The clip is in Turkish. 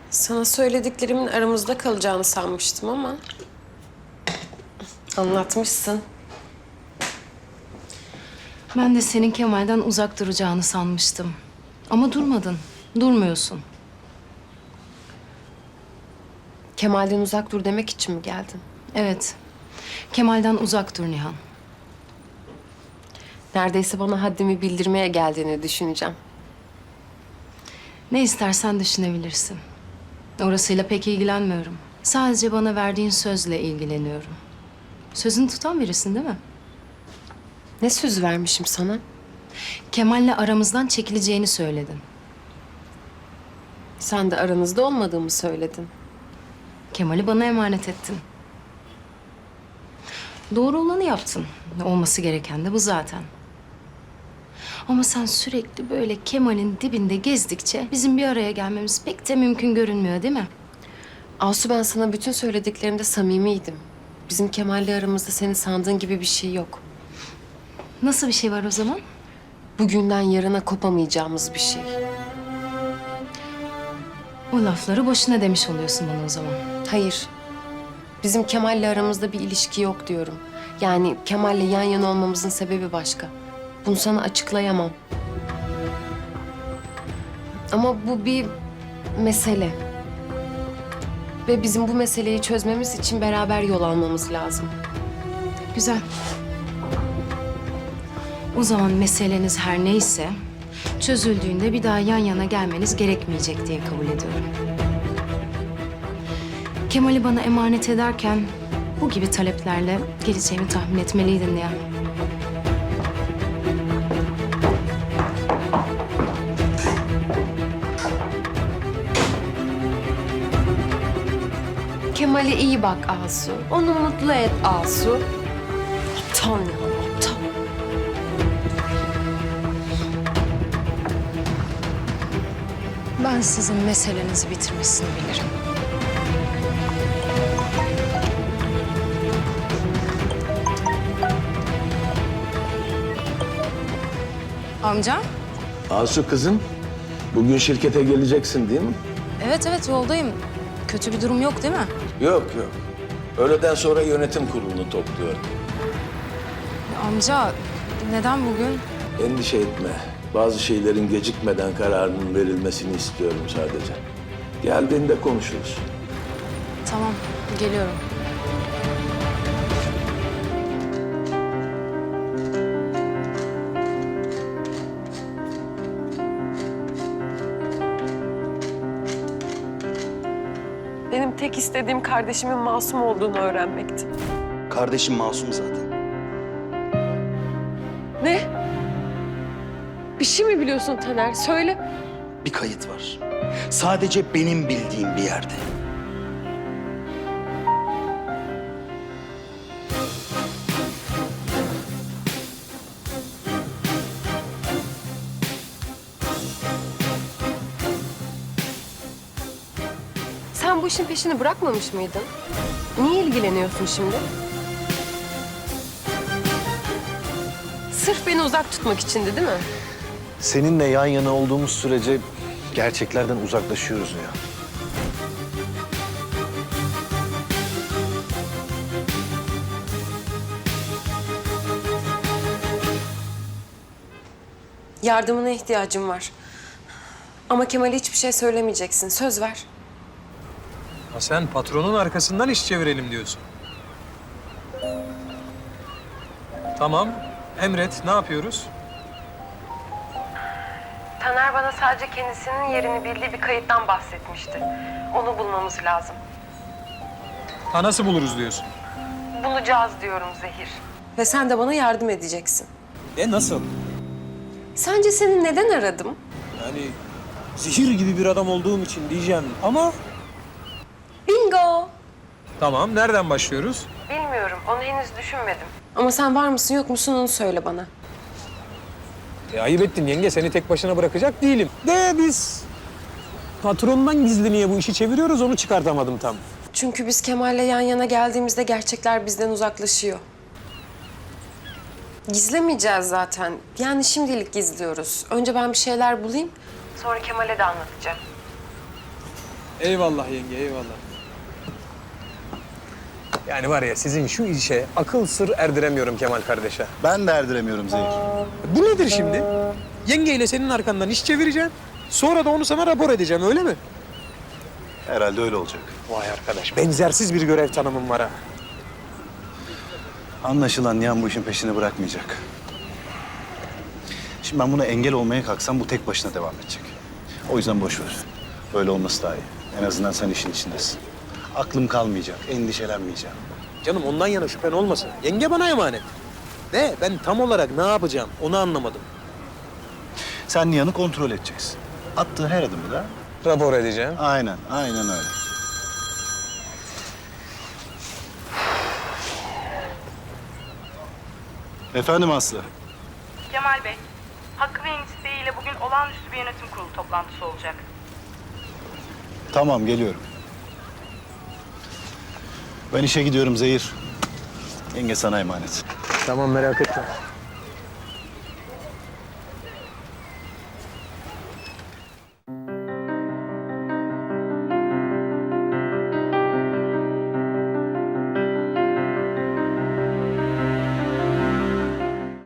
Sana söylediklerimin aramızda kalacağını sanmıştım ama... anlatmışsın. Ben de senin Kemal'den uzak duracağını sanmıştım. Ama durmadın, durmuyorsun. Kemal'den uzak dur demek için mi geldin? Evet, Kemal'den uzak dur Nihan. Neredeyse bana haddimi bildirmeye geldiğini düşüneceğim. Ne istersen düşünebilirsin. Orasıyla pek ilgilenmiyorum. Sadece bana verdiğin sözle ilgileniyorum. Sözünü tutan birisin değil mi? Ne söz vermişim sana? Kemal'le aramızdan çekileceğini söyledin. Sen de aranızda olmadığımı söyledin. Kemal'i bana emanet ettin. Doğru olanı yaptın. Olması gereken de bu zaten. Ama sen sürekli böyle Kemal'in dibinde gezdikçe bizim bir araya gelmemiz pek de mümkün görünmüyor değil mi? Asu, ben sana bütün söylediklerimde samimiydim. Bizim Kemal'le aramızda senin sandığın gibi bir şey yok. Nasıl bir şey var o zaman? Bugünden yarına kopamayacağımız bir şey. O lafları boşuna demiş oluyorsun bana o zaman. Hayır. Bizim Kemal'le aramızda bir ilişki yok diyorum. Yani Kemal'le yan yana olmamızın sebebi başka. Bunu sana açıklayamam. Ama bu bir mesele. Ve bizim bu meseleyi çözmemiz için beraber yol almamız lazım. Güzel. O zaman meseleniz her neyse çözüldüğünde bir daha yan yana gelmeniz gerekmeyecek diye kabul ediyorum. Kemal'i bana emanet ederken bu gibi taleplerle geleceğimi tahmin etmeliydin ya. Kemal'e iyi bak Asu. Onu mutlu et Asu. Aptal ya, aptal. Ben sizin meselenizi bitirmesini bilirim. Amca? Asu kızım, bugün şirkete geleceksin değil mi? Evet yoldayım. Kötü bir durum yok değil mi? Yok. Öğleden sonra yönetim kurulunu topluyorum. Amca neden bugün? Endişe etme. Bazı şeylerin gecikmeden kararının verilmesini istiyorum sadece. Geldiğinde konuşuruz. Tamam geliyorum. Benim tek istediğim kardeşimin masum olduğunu öğrenmekti. Kardeşim masum zaten. Ne? Bir şey mi biliyorsun Taner? Söyle. Bir kayıt var. Sadece benim bildiğim bir yerde. Sen bu işin peşini bırakmamış mıydın? Niye ilgileniyorsun şimdi? Sırf beni uzak tutmak içindi değil mi? Seninle yan yana olduğumuz sürece gerçeklerden uzaklaşıyoruz ya. Yardımına ihtiyacım var. Ama Kemal'e hiçbir şey söylemeyeceksin. Söz ver. Ha sen patronun arkasından iş çevirelim diyorsun. Tamam, emret. Ne yapıyoruz? Taner bana sadece kendisinin yerini bildiği bir kayıttan bahsetmişti. Onu bulmamız lazım. Ha nasıl buluruz diyorsun? Bulacağız diyorum Zehir. Ve sen de bana yardım edeceksin. Nasıl? Sence seni neden aradım? Yani zehir gibi bir adam olduğum için diyeceğim ama... Bingo! Tamam, nereden başlıyoruz? Bilmiyorum, onu henüz düşünmedim. Ama sen var mısın yok musun onu söyle bana. Ayıp ettin yenge, seni tek başına bırakacak değilim. De biz patrondan gizli niye bu işi çeviriyoruz onu çıkartamadım tam. Çünkü biz Kemal'le yan yana geldiğimizde gerçekler bizden uzaklaşıyor. Gizlemeyeceğiz zaten. Yani şimdilik gizliyoruz. Önce ben bir şeyler bulayım. Sonra Kemal'e de anlatacağım. Eyvallah yenge, eyvallah. Yani var ya sizin şu işe akıl sır erdiremiyorum Kemal kardeşe. Ben de erdiremiyorum Zehir. Bu nedir şimdi? Yengeyle senin arkandan iş çevireceğim. Sonra da onu sana rapor edeceğim, öyle mi? Herhalde öyle olacak. Vay arkadaş, benzersiz bir görev tanımım var ha. Anlaşılan Nihan bu işin peşini bırakmayacak. Şimdi ben buna engel olmaya kalksam bu tek başına devam edecek. O yüzden boş ver. Böyle olması daha iyi. En azından sen işin içindesin. Aklım kalmayacak, endişelenmeyeceğim. Canım ondan yana şüphen olmasın. Yenge bana emanet. Ne? Ben tam olarak ne yapacağım onu anlamadım. Sen Nihan'ı kontrol edeceksin. Attığı her adımı da Rapor edeceğim. aynen öyle. Efendim Aslı. Kemal Bey, Hakkı Bey'in isteğiyle bugün olağanüstü bir yönetim kurulu toplantısı olacak. Tamam geliyorum. Ben işe gidiyorum Zehir. Yenge sana emanet. Tamam, merak etme.